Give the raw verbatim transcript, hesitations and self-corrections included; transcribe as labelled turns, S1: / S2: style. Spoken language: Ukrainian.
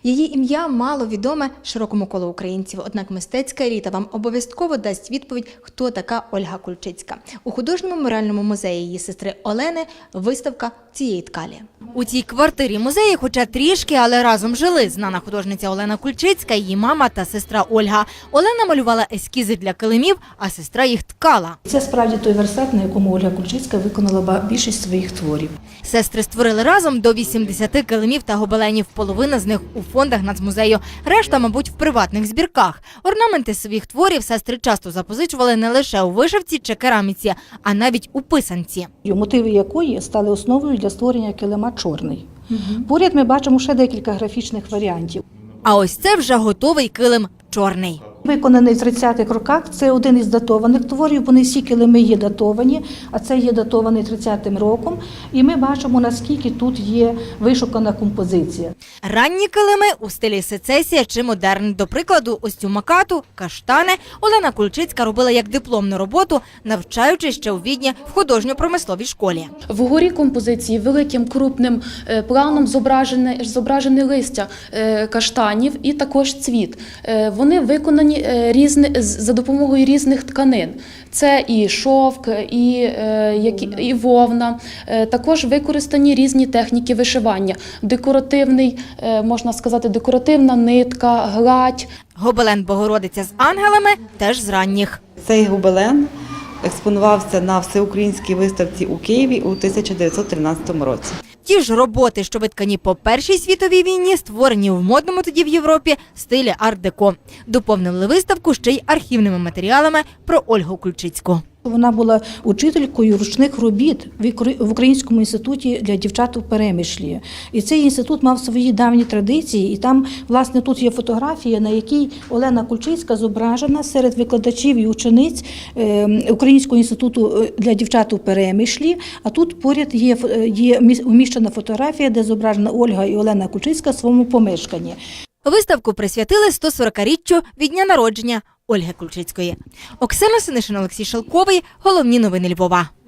S1: Її ім'я мало відоме широкому колу українців, однак мистецька еліта вам обов'язково дасть відповідь, хто така Ольга Кульчицька. У художньому меморіальному музеї її сестри Олени виставка цієї ткалі. У цій квартирі музеї, хоча трішки, але разом жили знана художниця Олена Кульчицька, її мама та сестра Ольга. Олена малювала ескізи для килимів, а сестра їх ткала.
S2: Це справді той верстат, на якому Ольга Кульчицька виконала більшість своїх творів.
S1: Сестри створили разом до вісімдесяти килимів та гобеленів, половина з них у фондах Нацмузею, решта, мабуть, в приватних збірках. Орнаменти своїх творів сестри часто запозичували не лише у вишивці чи кераміці, а навіть у писанці.
S2: Мотиви якої стали основою для створення килима «Чорний». Угу. Поряд ми бачимо ще декілька графічних варіантів.
S1: А ось це вже готовий килим «Чорний».
S2: Виконаний в тридцятих роках, це один із датованих творів, вони всі килими є датовані, а це є датований тридцятим роком. І ми бачимо, наскільки тут є вишукана композиція.
S1: Ранні килими у стилі сецесія чи модерн. До прикладу, ось цю макату, каштани Олена Кульчицька робила як дипломну роботу, навчаючись ще у Відні в художньо-промисловій школі.
S3: Вгорі композиції великим крупним планом зображене, зображене листя каштанів і також цвіт. Вони виконані Різни, за допомогою різних тканин. Це і шовк, і, і вовна. Також використані різні техніки вишивання. Декоративний, можна сказати, декоративна нитка, гладь.
S1: Гобелен Богородиця з ангелами теж з ранніх.
S4: Цей гобелен експонувався на всеукраїнській виставці у Києві у тисяча дев'ятсот тринадцятому році.
S1: Ті ж роботи, що виткані по Першій світовій війні, створені в модному тоді в Європі стилі арт-деко. Доповнили виставку ще й архівними матеріалами про Ольгу Кульчицьку.
S2: Вона була учителькою ручних робіт в Українському інституті для дівчат у Перемишлі. І цей інститут мав свої давні традиції, і там, власне, тут є фотографія, на якій Олена Кульчицька зображена серед викладачів і учениць Українського інституту для дівчат у Перемишлі, а тут поряд є, є уміщена фотографія, де зображена Ольга і Олена Кульчицька в своєму помешканні.
S1: Виставку присвятили сто сорокаріччю від дня народження Ольги Кульчицької. Оксана Синишин, Олексій Шелковий. Головні новини Львова.